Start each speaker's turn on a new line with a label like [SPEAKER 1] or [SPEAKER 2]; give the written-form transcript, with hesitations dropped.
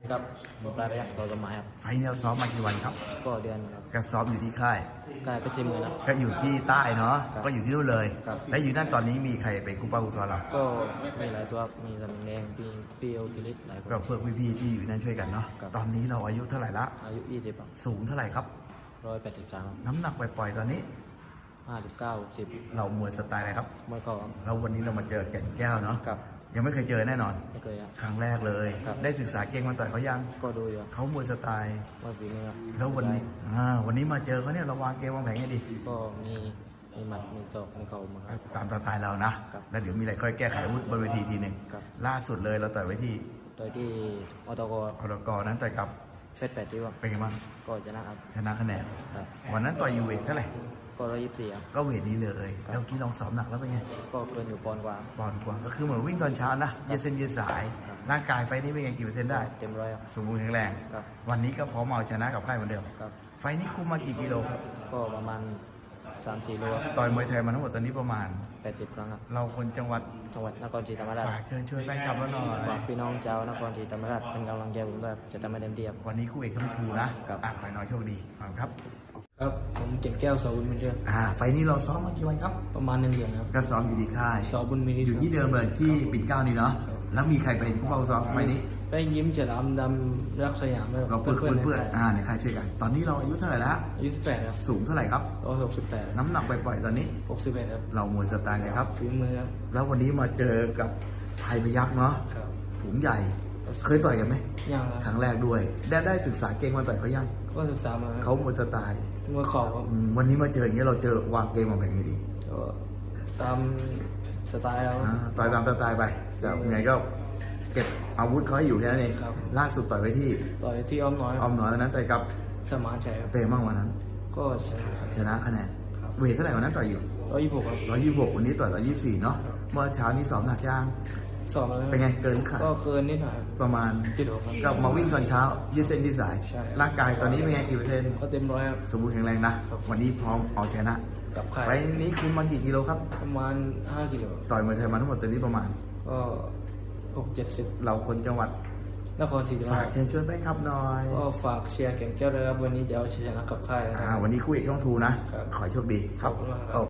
[SPEAKER 1] ครับผมปลายไปยังตัวสมัยครับ
[SPEAKER 2] ไฟล์นี้เราซ้อมมากี่วันครับ
[SPEAKER 1] ก็เดือนครับ
[SPEAKER 2] ก็ซ้อมอยู่ที่ค่าย
[SPEAKER 1] กลายไปชิมเลยนะ
[SPEAKER 2] ก็อยู่ที่ใต้เนาะ
[SPEAKER 1] ครับ
[SPEAKER 2] ก็อยู่ที่นู่นเลย
[SPEAKER 1] ครับ
[SPEAKER 2] และอยู่นั่นตอนนี้มีใครเป็นครูป้าครูสอนเรา
[SPEAKER 1] ก็มีหลายตัวมีสมิงแดงพี่โอพิริศหลายคน
[SPEAKER 2] ก็เพื่อนพี่ๆที่อยู่นั่นช่วยกันเนาะ
[SPEAKER 1] ครับ
[SPEAKER 2] ตอนนี้เราอายุเท่าไหร่ละ
[SPEAKER 1] อายุ20ครับ
[SPEAKER 2] สูงเท่าไหร่ครับ
[SPEAKER 1] 183
[SPEAKER 2] น้ำหนักปล่อยๆตอนนี้
[SPEAKER 1] 59 10
[SPEAKER 2] เรามวยสไตล์อะไรครับ
[SPEAKER 1] มวยเข่าครับ
[SPEAKER 2] แล้ววันนี้เรามาเจอแก่นแก้วเนาะ
[SPEAKER 1] กับ
[SPEAKER 2] ยังไม่เคยเจอแน่นอน
[SPEAKER 1] ไม่เคยครับ
[SPEAKER 2] ครั้งแรกเลย
[SPEAKER 1] ครับ
[SPEAKER 2] ได้ศึกษาเก่งมาต่อยเขายัง
[SPEAKER 1] ก็ดูอยู่
[SPEAKER 2] เขามวยสไตล์
[SPEAKER 1] ว่าฝีมือครับ
[SPEAKER 2] แล้ววันนี้วันนี้มาเจอเขาเนี่ยเราวางเกมวางแผนให้ดี
[SPEAKER 1] ก็มีหมัดมีศอกมีเข่ามาครับ
[SPEAKER 2] ตามสไตล์เรานะ
[SPEAKER 1] ครับ
[SPEAKER 2] แล้วเดี๋ยวมีอะไรค่อยแก้ไขอาวุธบนเวทีทีหนึ่ง
[SPEAKER 1] ครับ
[SPEAKER 2] ล่าสุดเลยเราต่อยไว้ที่
[SPEAKER 1] โดยที่อตก
[SPEAKER 2] อรกนั้นต่อยกับ
[SPEAKER 1] เซต8ที่ว่า
[SPEAKER 2] เป็นไงบ้าง
[SPEAKER 1] ก็ชนะครับ
[SPEAKER 2] ชนะคะแนน
[SPEAKER 1] ครับ
[SPEAKER 2] วันนั้นต่อยอยู่เวทเท่าไหร่
[SPEAKER 1] ก็124ครับ
[SPEAKER 2] ก็เวทนี้เลย
[SPEAKER 1] ครับ
[SPEAKER 2] แล้วเมื่อกี้ลองซ้อมหนักแล้วเป็นไง
[SPEAKER 1] ก็เกินอยู่ปอนด์กว่า
[SPEAKER 2] ปอนด์กว่าก็คือเหมือนวิ่งตอนเช้านะยืดเส้นยืดสาย
[SPEAKER 1] ครับ
[SPEAKER 2] ร่างกายไฟนี้เป็นไงกี่เปอร์เซ็นต์ได้
[SPEAKER 1] เต็มร้อยครับ
[SPEAKER 2] สมบูรณ์แข็งแรง
[SPEAKER 1] ครับ
[SPEAKER 2] วันนี้ก็พร้อมเอาชนะกับค่ายเหมือนเดิม
[SPEAKER 1] ครับ
[SPEAKER 2] ไฟนี้คุมมากี่กิโล
[SPEAKER 1] ก็ประมาณ 3-4 โลครับ
[SPEAKER 2] ต่อยมวยไทยมาทั้งหมดตอนนี้ประมาณ
[SPEAKER 1] 80 ครั้งครับ
[SPEAKER 2] เราคนจังหวัด
[SPEAKER 1] จังหวัดนครศรีธรรมราช
[SPEAKER 2] ฝากเชิญชวนแฟนคลับเราหน่อย
[SPEAKER 1] ฝากพี่น้องชาวนครศรีธรรมราชเป็นกำลังใจผมด้วยครับจะทำให้เต็มที่ครับ
[SPEAKER 2] วันนี้คู่เอกทั้งทูนะครับ ขอให้น้อยโชคดีขอบคุณครับ
[SPEAKER 1] ครับผมเก่งแก้วสาวบุญมีเรื่อง
[SPEAKER 2] ไฟนี้เราซ้อมมากี่วันครับ
[SPEAKER 1] ประมาณ1 เดือนครับ
[SPEAKER 2] ก็ซ้อมอยู่ที่ค่าย
[SPEAKER 1] สาวบุญมี
[SPEAKER 2] อยู่ที่เดิมเลยที่ปิ่นเกล้านี่เนาะ แล้วมีใครเป็นผู้เฝ้าซ้อมไฟนี้
[SPEAKER 1] ได้ยิ้มฉลามดำรักสยามด้วย
[SPEAKER 2] เราเพื่อน
[SPEAKER 1] ใน
[SPEAKER 2] ในค่ายช่วยกัน ตอนนี้เราอายุเท่าไหร่แล้ว
[SPEAKER 1] อายุ18ครับ
[SPEAKER 2] สูงเท่าไหร่ครับ
[SPEAKER 1] 168
[SPEAKER 2] น้ำหนักปล่อยๆตอนนี้
[SPEAKER 1] 61ครับ
[SPEAKER 2] เรามวยสไตล์เลยครับ
[SPEAKER 1] ฝีมือครับ
[SPEAKER 2] แล้ววันนี้มาเจอกับไทยพยัคฆ์เนาะ
[SPEAKER 1] ครับ
[SPEAKER 2] สูงใหญ่ เคยต่อยกันไหม
[SPEAKER 1] ยัง
[SPEAKER 2] ค
[SPEAKER 1] ครับ
[SPEAKER 2] รั้งแรกด้วย ได้ศึกษาเก่งมาต่อยเขายัง
[SPEAKER 1] ก็ศึกษามาครับ
[SPEAKER 2] เขามวยสไตล์
[SPEAKER 1] มวยเข่าครับ
[SPEAKER 2] วันนี้มาเจออย่างเงี้ยเราเจอวางเกมวางแผนไงดี
[SPEAKER 1] ก็ตามสไตล์เรา
[SPEAKER 2] ต่อยตามสไตล์ไป แต่ยังไงก็เก็บอาวุธเขาให้อยู่แค่นั้นเอง
[SPEAKER 1] ครับ
[SPEAKER 2] ล่าสุดต่อยไปที่
[SPEAKER 1] ต่อยที่อ้อมน้อย
[SPEAKER 2] อ้อมน้อยวันนั้นต่อยกับ
[SPEAKER 1] สมานชัยครับ
[SPEAKER 2] เปรมั่งวันนั้น
[SPEAKER 1] ก็ชนะครับ
[SPEAKER 2] ชนะคะแนน
[SPEAKER 1] ครับ
[SPEAKER 2] เวทเท่าไหร่วันนั้นต่อยอยู่
[SPEAKER 1] 126ครับ
[SPEAKER 2] 126วันนี้ต่อย124เนาะ เมื่อเช้านี้ซ้อมหนักย่าง
[SPEAKER 1] สอบมาแล้ว
[SPEAKER 2] เป็นไงเกินขาด
[SPEAKER 1] ก็เกินนิดหน่อยครับ
[SPEAKER 2] ประมาณ
[SPEAKER 1] 76ครับ
[SPEAKER 2] ก็มาวิ่งตอนเช้ายืดเส้นยืดสาย
[SPEAKER 1] ใช่
[SPEAKER 2] ร่างกายตอนนี้เป็นไงกี่เปอร์เซ็นต์
[SPEAKER 1] ก็เต็มร้อยครับ
[SPEAKER 2] สมบูรณ์แข็งแรงนะ
[SPEAKER 1] ครับ
[SPEAKER 2] วันนี้พร้อมเอาชนะ
[SPEAKER 1] กับใคร
[SPEAKER 2] ไฟล์นี้คุมมากี่กิโลครับ
[SPEAKER 1] ประมาณ5 กิโล
[SPEAKER 2] ต่อยมวยไทยมาทั้งหมดตอนนี้ประมาณ
[SPEAKER 1] ก็6-70
[SPEAKER 2] เราคนจังหวัด
[SPEAKER 1] นครศรีธรรม
[SPEAKER 2] ฝาก
[SPEAKER 1] ราช
[SPEAKER 2] เชิญชวนแฟนคลับหน่อย
[SPEAKER 1] ก็ฝากเชียร์เก่งแก้วด้วยครับวันนี้จะเอาชนะกับค่ายนะครับ
[SPEAKER 2] วันนี้คู่เอกช่องทูนะ
[SPEAKER 1] ครับ
[SPEAKER 2] ขอให้โชคดีครับ
[SPEAKER 1] ขอบคุณมากครับ
[SPEAKER 2] โอ้